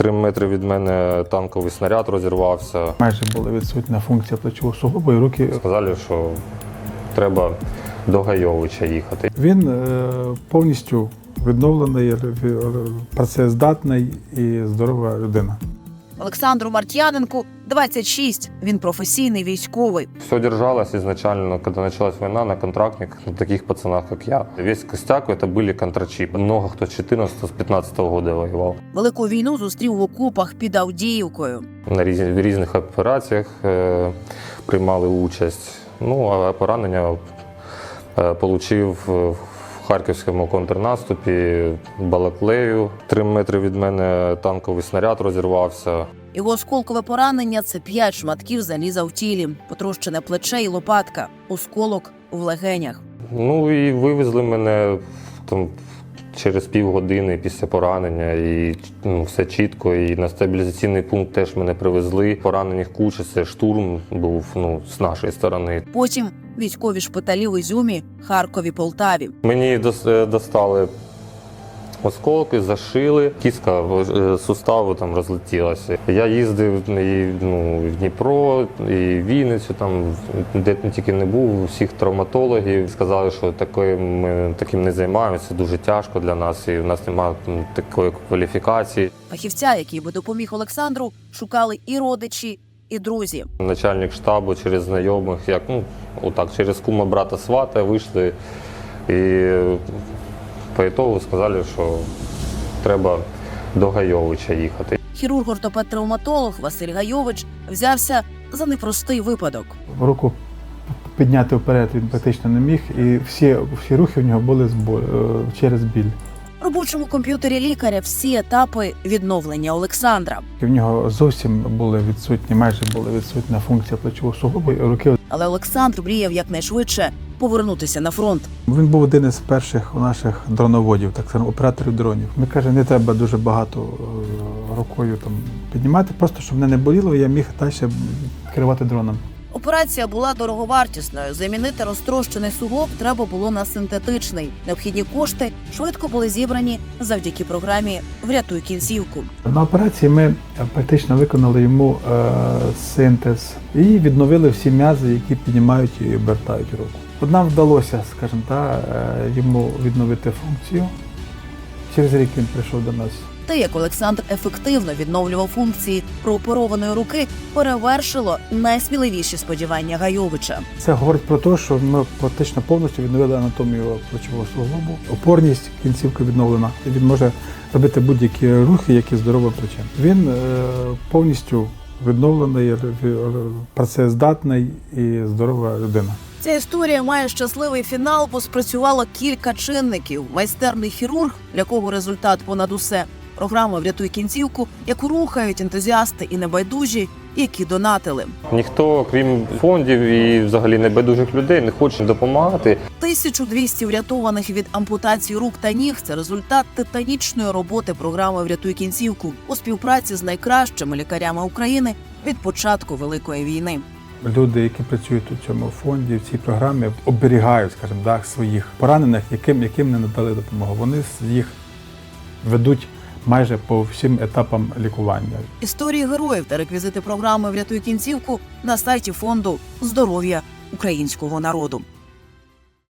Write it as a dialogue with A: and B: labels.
A: 3 метри від мене танковий снаряд розірвався.
B: Майже була відсутня функція плечового суглобу і руки.
A: Сказали, що треба до Гайовича їхати.
B: Він повністю відновлений, працездатний і здорова людина.
C: Олександру Мартьяненку 26. Він професійний військовий.
A: Все держалось изначально, когда началась война, на контрактниках, на таких пацанах, как я. Весь костяк это были контрачи. Много кто с 14-15 года воевал.
C: Велику війну зустрів в окопах під Авдіївкою.
A: На різних операціях приймали участь. Ну, а поранення отримав в харківському контрнаступі, Балаклею. 3 метри від мене танковий снаряд розірвався.
C: Його осколкове поранення – це 5 шматків заліза в тілі, потрощене плече і лопатка, осколок в легенях.
A: Ну і вивезли мене там через півгодини після поранення, і все чітко. І на стабілізаційний пункт теж мене привезли. Поранених куча, це штурм був з нашої сторони.
C: Потім військові шпиталі в Ізюмі, Харкові, Полтаві.
A: Мені достали осколки, зашили, кістка суставу там розлетілася. Я їздив і в Дніпро, і в Вінницю, там, де тільки не був, усіх травматологів. Сказали, що ми таким не займаємося, дуже тяжко для нас, і в нас немає такої кваліфікації.
C: Фахівця, який би допоміг Олександру, шукали і родичі, і друзі.
A: Начальник штабу через знайомих, через кума брата свата вийшли і по ітогу сказали, що треба до Гайовича їхати.
C: Хірург-ортопед-травматолог Василь Гайович взявся за непростий випадок.
B: Руку підняти вперед він практично не міг, і всі рухи в нього були через біль.
C: В робочому комп'ютері лікаря всі етапи відновлення Олександра.
B: В нього зовсім майже була відсутня функція плечового суглобу і руки.
C: Але Олександр мріяв якнайшвидше повернутися на фронт.
B: Він був один із перших наших дроноводів, так само операторів дронів. Ми кажемо, не треба дуже багато рукою піднімати, просто щоб мене не боліло, і я міг далі керувати дроном.
C: Операція була дороговартісною. Замінити розтрощений суглоб треба було на синтетичний. Необхідні кошти швидко були зібрані завдяки програмі «Врятуй кінцівку».
B: На операції ми практично виконали йому синтез і відновили всі м'язи, які піднімають і обертають руку. Нам вдалося, скажімо так, йому відновити функцію. Через рік він прийшов до нас.
C: Те, як Олександр ефективно відновлював функції прооперованої руки, перевершило найсміливіші сподівання Гайовича.
B: Це говорить про те, що ми практично повністю відновили анатомію плечового суглобу. Опорність кінцівки відновлена. Він може робити будь-які рухи, які здоровим плечем. Він повністю відновлений, працездатний і здорова людина.
C: Ця історія має щасливий фінал, бо спрацювало кілька чинників. Майстерний хірург, для кого результат понад усе. Програма «Врятуй кінцівку», яку рухають ентузіасти і небайдужі, які донатили.
A: Ніхто, крім фондів і взагалі небайдужих людей, не хоче допомагати.
C: 1200 врятованих від ампутації рук та ніг – це результат титанічної роботи програми «Врятуй кінцівку» у співпраці з найкращими лікарями України від початку Великої війни.
B: Люди, які працюють у цьому фонді, в цій програмі, оберігають, скажімо так, своїх поранених, яким не надали допомогу. Вони їх ведуть майже по всім етапам лікування.
C: Історії героїв та реквізити програми «Врятуй кінцівку» на сайті фонду «Здоров'я українського народу».